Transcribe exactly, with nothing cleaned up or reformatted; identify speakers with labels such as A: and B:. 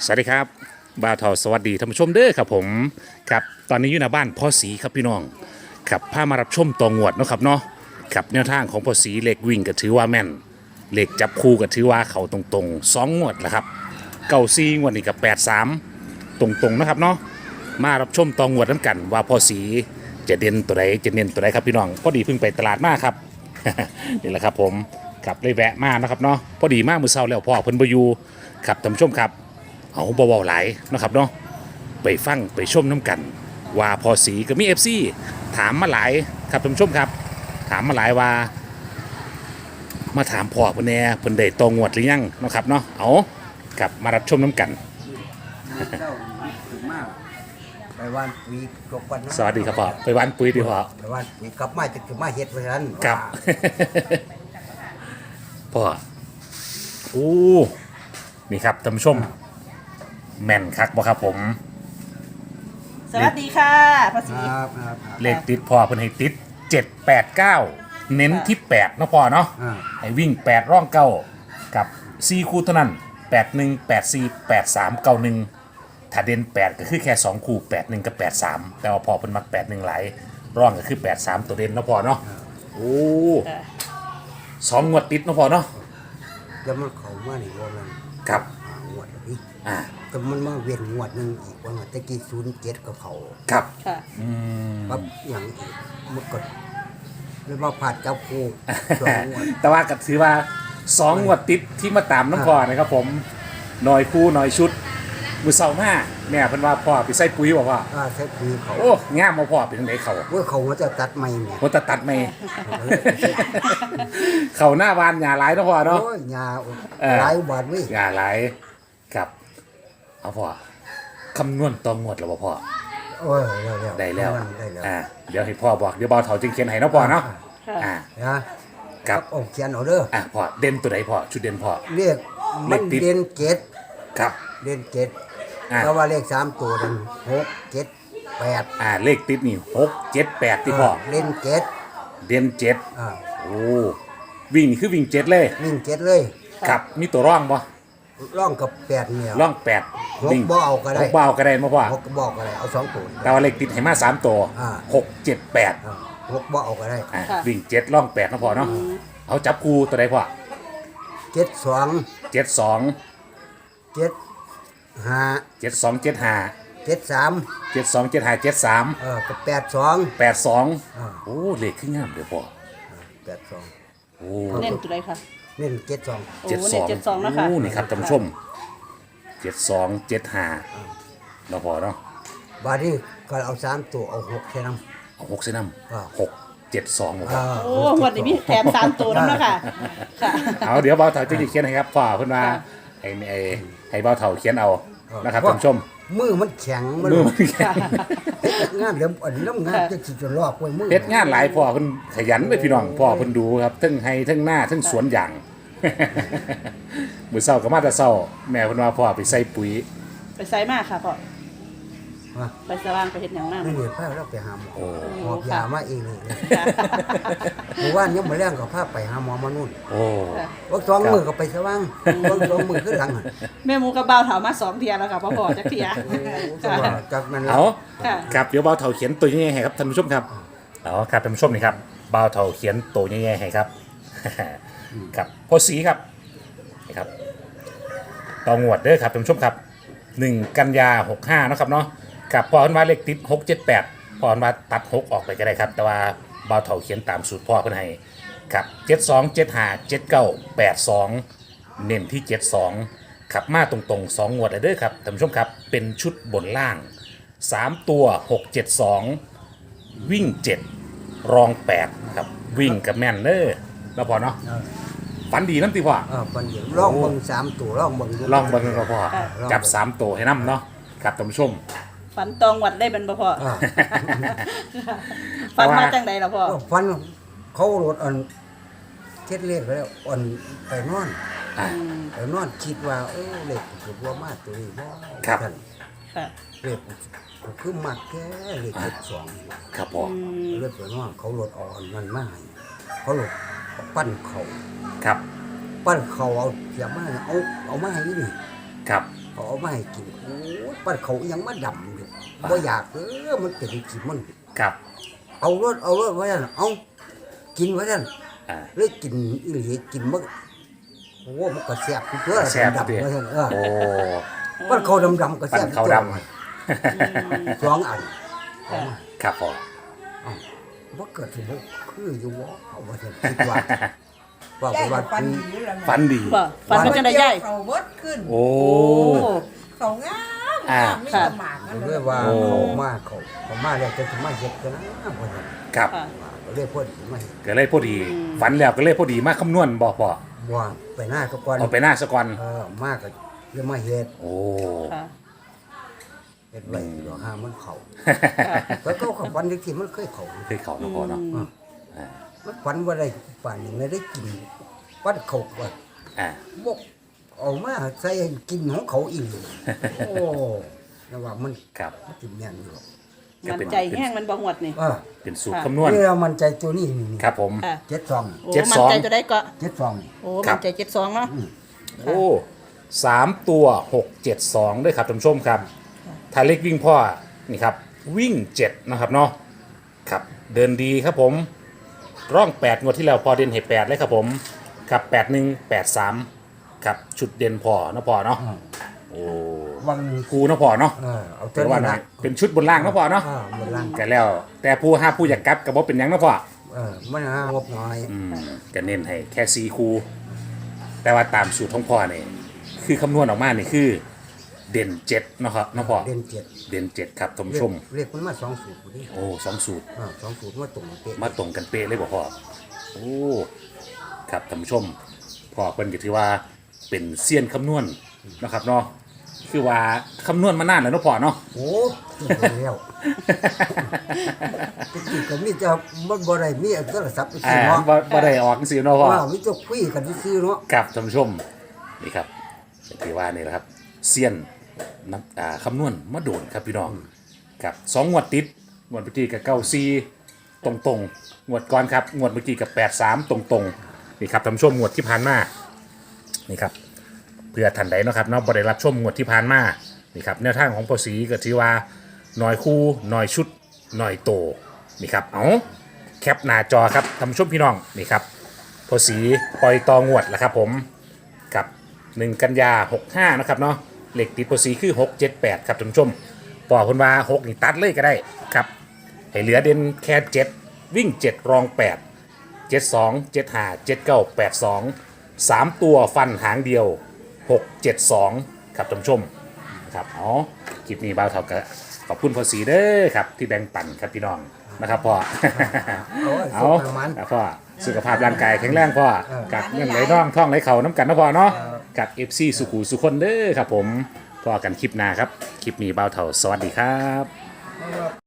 A: สวัสดีครับบ่าวทอสวัสดีท่านผู้ชมเด้อครับผมครับตอนนี้อยู่ในบ้านพ่อสีครับพี่น้องครับพามารับชมตองวดเนาะครับเนาะครับแนวทางของพ่อสีเหล็กวิ่งก็ถือว่าแม่นเหล็กจับคู่ก็ถือว่าเขาตรงๆสองงวดแหละครับเก้าซีงวดนี้กับแปดสามตรงๆนะครับเนาะมารับชมตองวดน้ำกันว่าพ่อสีจะเด่นตัวใดจะเน้นตัวใดครับพี่น้องพอดีเพิ่งไปตลาดมาครับ นี่แหละครับผมกับเลยแวะมานะครับเนาะพอดีมากมือเช้าแล้วพ่อเพิ่นบ่อยู่ครับท่านผู้ชมครับเอาเบาๆหลายนะครับเนาะไปฟังไปชมน้ำกันว่าพอสีก็มี เอฟ ซี ถามมาหลายครับท่านผู้ชมครับถามมาหลายว่ามาถามพ่อเพิ่นแหน่เพิ่นได้ตองวดหรือยังเนาะครับเนาะเอากลับมารับชมน้ำกัน
B: เจ้าถึงมากไปวันปุ๋ยกบวัน
A: สวัสดีครับพ่อไปหวานปุ๋ยดีพ่อ
B: ไปวันปุ๋ยกลับมาจะถึงมาเฮ็ดเพราะฉะนั้น
A: ครับ พ่อโอ้นี่ครับท่านผู้ชมแม่นคักบ่ครับผม
C: สวัสดีค่ะภา
B: ค
C: ษี
B: รับครับครับ
A: เลขติดพ่อเพิ่นให้ติดเจ็ด แปด เก้าเน้นที่แปดเนาะพ่อเนาะ
B: อ่า
A: ให้วิ่งแปดร่องเก้ากับสี่คู่เท่านั้นแปด หนึ่ง แปด สี่ แปด สาม เก้า หนึ่งถ้าเด่นแปดก็คือแค่สองคู่แปด หนึ่งกับแปด สามแต่ว่าพ่อเพิ่นมักแปด หนึ่งหลายร่องก็คือแปด สามตัวเด่นเนาะพ่อเนาะโอ้สองงวดติดเนาะพ่อเนาะ
B: แล้วมันเข้ามานี่ว่ามัน
A: ครับ
B: หางวดแล้วพี่
A: อ่า
B: แต่มันมาเวียนงวดหนึงอีกว่าตะกี้ศูนย์เจ็ดกับเขา
A: ครับ
C: ค่ะ
A: อืม
B: ปั๊บอย่างอีกมันก็เลยว่าผ่านเจ้าคู่สองงวด
A: แต่ว่าก็ถือว่าสองงวดติดที่มาตามน้ำพ่อนะครับผมหน่อยคู่หน่อยชุดมือเสาร์หน้าแม่เพิ่นว่าพ่อไปใส่ปุ๋ยบอกว่า
B: อ่าใช้ปุ๋ยเขา
A: โอ้งามมาพ่อไปทางไหนเขา
B: ว่าเขาว่าจะตัดไม่เนี่ย
A: คนตัดตัดไม่ เขาหน้าบานหญ้าหลายเนาะพ่อเนาะ
B: โอ้ยยา
A: เออ
B: หลายบาทเว้ย
A: หญ้าหลายครับเอาพ่อคำนวณตองงวดแล้วบ่พ่อ
B: โอ้ยได้แล้ว
A: ได้แล้ว
B: ได้แล้ว
A: อ่าเดี๋ยวให้พ่อบอกเดี๋ยวเบาเถาจึงเขียนให้เนาะพ่อเนาะ
C: ค่ะ
A: อ่า
B: นะครับ เอาเขียนเอาเด้อ
A: อ่าพ่อเด่นตัวไหนพ่อชุดเด่นพ่อ
B: เรียกมัน
A: เลขติด
B: เด่นเจ็ด
A: ครับ
B: เด่นเจ็ด
A: อ่า
B: เพราะว่าเลขสามตัวนั้นหกเจ็ดแปด
A: อ่าเลขติดนี่หกเจ็ดแปดที่พ่อ
B: เล่นเจ็ด
A: เด่นเจ็ด
B: อ่า
A: โอ้วิ่งนี่คือวิ่งเจ็ดเลย
B: วิ่งเจ็ดเลย
A: ครับมีตัวร่องบ่
B: ร่องกับแปดเนี่ย
A: ร่องแปด
B: หกบ่เอาก็ได้
A: หกบ่เอาก็ได้มาพ่อ
B: หกก็บอกอะไรเอาสองตัว
A: แต่ว่าเลขติดให้มาสามตัว
B: อ่า
A: หกเจ็ดแปด
B: อ่าหกบ่เอาก็ได้
A: อ่าวิ่งเจ็ดร่องแปดนะพ่อเนาะเอาจับคู่ตัวใดพ่อ
B: เจ็ดสอง
A: เจ็ดสอง
B: เจ็ดห้า
A: เจ็ดสองเจ็ดห้า
B: เจ็ดสาม
A: เจ็ดสองเจ็ดห้าเจ็ดสาม
B: เออกับแปดสอง
A: แปดสอง
B: อ่า
A: โอ้เลขขึ้นงามเดี๋ยวพ่อ
B: แปดสอง
A: โอ้
C: เน้นตัวใดค่ะ
B: เล่นเจ็ดสอง
C: โอ้
A: เจ็ดส
C: เน้
A: อน ง
C: เจ็ดสองนะคะ
A: โอ้นี่ครับท่านผู้ชมเจ็ดสองเจ็ดห้าเราพอเนาะ
B: บาดนี้ก็เอาสามตัวเอาหกแค่นั้น
A: เอาหกเส้นน้
B: อ่า
A: ำหกเจ็ดสองบ่พ่อ
B: อ่า
C: โอ้วันนี้มีแถมสามตัวแล้วนะคะค่ะ
A: เอาเดี๋ยวเบาเถาจะเขียนให้ครับพ่อเพิ่นมา
C: ค่ะ
A: ให้ให้ให้เบาเถาเขียนเอานะครับท่านผู้ชม
B: มือมันแข็งมัน
A: มือมันแข็ง
B: งานเดี๋ยวอันนี้น้ำงานจะสิจะลอกไว้มือ
A: เฮ็ดงานหลายพ่อเพิ่นขยันเลยพี่น้องพ่อเพิ่นดูครับทั้งให้ทั้งหน้าทั้งสวนยาง มื้อเช้าก็มาแต่เช้าแม่เพิ่นว่าพ่อไปใส่ปุ๋ย
C: ไปไซมากค่ะพ่อ
B: ว่า
C: ไปสว่างไปเห็ดอย่างนั้น
B: ไม่เหนื่อยพาเราไปหาหมอ
A: โอ้
B: หอบยามาเองเลยเมื่อวานยังมาแรงกับพาไปหาหมอมานู่น
A: โอ้
B: วักสองมือก็ไปสว่างวักสองมือขึ้นหลัง
C: แม่หมูกับบ่าวเถามาสองเทียแล้วค่ะพ่อพ่อจักเทีย
B: จังหวะจากนั้น
A: เอา
C: ค่ะ
A: ครับเดี๋ยวเบาเถาเขียนตัวยังไงให้ครับท่านผู้ชมครับเอาครับท่านผู้ชมนี่ครับเบาเถาเขียนตัวยังไงให้ครับ ครับพ่อสีครับนี่ครับต่องวดเด้อครับท่านผู้ชมครับหนึ่งกันยาหกห้านาะครับเนาะกับพอเพิ่นว่าเลขติดหกเจ็ดแปดพอเพิ่นว่าตัดหกออกไปก็ได้ครับ แต่ว่าเบาเถาเขียนตามสูตรพ่อเพิ่นให้ครับเจ็ดสองเจ็ดห้าเจ็ดเก้าแปดสองเน้นที่เจ็ดสองขับมาตรงๆสองงวดเลยเด้อครับท่านผู้ชมครับเป็นชุดบนล่างสามตัวหกเจ็ดสองวิ่งเจ็ดรองแปดครับวิ่งกับแม่นเด้อแล้วพอเนาะฝันดีน้ำตีพ่อ
B: เออปันเดียวลองเบิ่งสามตัวลองเบิ่งดู
A: ลองเบิ่งก็พอ
C: ค่ะ
A: จับสามตัวให้น้ำเนาะครับท่านผู้ชม
C: ฝันตองวัดได้เป็นบ่พ่อ
B: อ่า
C: ฝันมาจังใดล่ะพ่อ
B: เออฟันเขาโหลดอ่อนเช็ดเลขแล้วอ่อนไปนอน
A: อ่า
B: ไปนอนคิดว่าเออเลขคือว่ามาตัวนี้บ่
A: ครับ
B: ท่าน
C: ค่ะ
B: เลขคือมากแค่เลขเจ็ดสอง
A: ครับพ่อ
C: อืม
B: เลือดไปนอนเขาโหลดอ่อนมันมาให้เขาโหลดปั้นเขา
A: ครับ
B: ปั้นเขาเอาเสียมาเอาเอามาให้นี่
A: ครับ
B: เเขาเอามาให้กินโอ้ยปัดเขายังมาดำอยู่บ่อยากเออมันเป็นกินมัน
A: ครับ
B: เอารถเอารถไว้นั่นเอากินไว้นั่น
A: อ่า
B: เลยกินอีหลีกินมันโอ้มันก็แซ่บอยู่ตัว
A: แซ่บ
B: ดำ
A: เด้
B: ๆไว้นั่นเออ
A: โอ้
B: ปัดเขาดำๆก็แซ่บ
A: ปัดเขาดำ
B: สองอันเอามา
A: ครับพ่อ
B: เอ้าว่าเกิดถึงบ่คืออยู่วะเอาว่าจะคิดว่าว่าไป
D: ย่าย
B: ว่า
D: ก็ฟันดีอยู่แล้ว
A: ฟันดี
C: บ่ฟันมันจังได๋ยาย
D: เขาเบิดขึ้น
A: โอ้
C: โอ้
D: เขางาม
A: อ่า
D: งามมี
C: ค่ะ
D: สมากนั่น
B: เรี
D: เลย ย
B: กว่า
A: โอ้
B: เขามาเขาเขามาแล้วจะถึงมาเฮ็ดกันนะว่าซั่น
A: ครับ
C: ค่ะ
B: ก็เรียกพอดีมาเฮ็ด
A: ก็เลยพอดี ฝันแล้วก็เลยพอดีมาคำนวณบ่พ่อ
B: ว่าไปหน้าก็ก่อน
A: เอาไปหน้าสะก่อน
B: เออมากก็เรียกมาเฮ็ด
A: โอ้
C: ค่ะ
B: เฮ็ดไว้ดอกหามันเขาก็เขาเขาฝันที่มันเคยเขา
A: เคยเขาเนาะพ่อเนาะ
B: อ่ะ
A: อ่า
B: มันฝันว่าได้ป่านนี้ไม่ได้กินปัดเขาว่า
A: อ่า
B: บกเอามาใส่ให้กินของเขาอีกโอ้ระว่ามัน
A: ครับ
B: มันกินแม่นอยู่
A: ก็
C: มัน
A: เป็น
C: ใจแห้งมันบ่หวดนี่
B: เออ
A: เป็นสูตร
C: ค่ะ
A: คำนวณ
B: นี่เรามันใจตัวนี้นี่นี่
A: ครับผม
C: ค่ะ
B: เจ็ดสอง
C: โอ้
A: เจ็ด
C: มัน
A: สอง
C: ใจจะได้ก็
B: เจ็ดสองนี่
C: โอ้
A: ครั
C: มั
A: บ
C: นใจเจ็ดสองเนาะ
A: โอ้สามตัวหกเจ็ดสองด้วยครับท่านผู้ชมครับถ้าเล็กวิ่งพ่อนี่ครับ วิ่งเจ็ดนะครับเนาะครับ เดินดีครับผม ร่องแปดงวดที่แล้วพอเด่นเหตุแปดเลยครับผมครับแปดหนึ่งแปดสามครับชุดเด่นพอนะพอเนาะโอ้
B: วังหนึ่ง
A: กูนะพอเนาะ
B: เออเอา
A: แต่
B: ตัว
A: ว่า
B: นี้
A: นะ
B: นะ
A: เป็นชุดบนล่างนะพอเนาะ
B: อ่าบนล่าง
A: กันแล้ว แต่ผู้ห้าผู้อยากกลับกับว่าเป็นหยังนะพอ
B: เออมันหางบน้อย
A: อืมก็เน้นให้แค่ซีคูแต่ว่าตามสูตรของพ่อเนี่ยคือคำนวณออกมานี่คือ เด่นเจ็ดเนาะครับเนาะพ่อ
B: เด่นเจ็ด
A: เด่นเจ็ดครับท่าน
B: เรี
A: ผู้
B: ย
A: ช
B: ก
A: ม
B: เรียกมันมาสองสูตรพอดี
A: โอ้สองสูตร
B: อ่าสองสูตรมาตรงเป๊ะ
A: มาตรงกันเป๊ะเลยบ่พ่อโอ้ครับท่านผู้ชมพ่อเพิ่นก็ถือว่าเป็นเซียนคำนวณนะครับเนาะคือว่าคำนวณมานานแล้วเนาะพ่อเนาะ
B: โอ้ที่แล้วที่ก็มีจะมันบ่ได้มีโทรศัพท์ไป
A: อ่า
B: ซื้อเนาะ
A: บ่บ่ได้ออกสิเนาะพ่อ
B: ว่ามีจะคุยกันซื้อเนาะ
A: ครับท่านผู้ชมนี่ครับถือว่านี่แหละครับเซียนนักอ่าคำนวณมาโดนครับพี่น้องครับสองงวดติดงวดเมื่อกี้กับเก้าซีตรงตรงๆงวดก่อนครับงวดเมื่อกี้กับแปดสามตรงตรงๆนี่ครับท่านผู้ชมงวดที่ผ่านมานี่ครับเพื่อทันใดเนาะครับเนาะบริรับชมงวดที่ผ่านมานี่ครับแนวทางของพอสีก็ถือว่าหน่อยคู่หน่อยชุดหน่อยโตนี่ครับเอาแคปหน้าจอครับท่านผู้ชมพี่น้องนี่ครับพอสีปล่อยตองวดแล้วครับผมกับหนึ่งกันยาหกห้านะครับเนาะเหล็กติดพอสีคือหกเจ็ดแปดครับท่านผู้ชมปอคนว่าหกนี่ตัดเลยก็ได้ครับให้เหลือเด่นแค่เจ็ดวิ่งเจ็ดรองแปดเจ็ดสองเจ็ดห้าเจ็ดเก้าแปดสองสามตัวฟันหางเดียวหกเจ็ดสองครับท่านผู้ชมครับอ๋อคลิปนี้บ่าวเท่ากับขอบคุณพอสีเด้อครับที่แบ่งปันครับพี่น้องนะครับพ่อ
B: เอาไว้
A: เอา
B: ส่งประมาณ
A: ครับพ่อสุขภาพร่างกายแข็งแรงพ่อกับเงินไหลน่องท่องไหลเข่าน้ำกันนะพ่อเนาะกับเอฟซีสุขุสุคนเด้อครับผมพ่อกันคลิปหน้าครับ คลิปนี้บ่าวเท่าสวัสดีครับ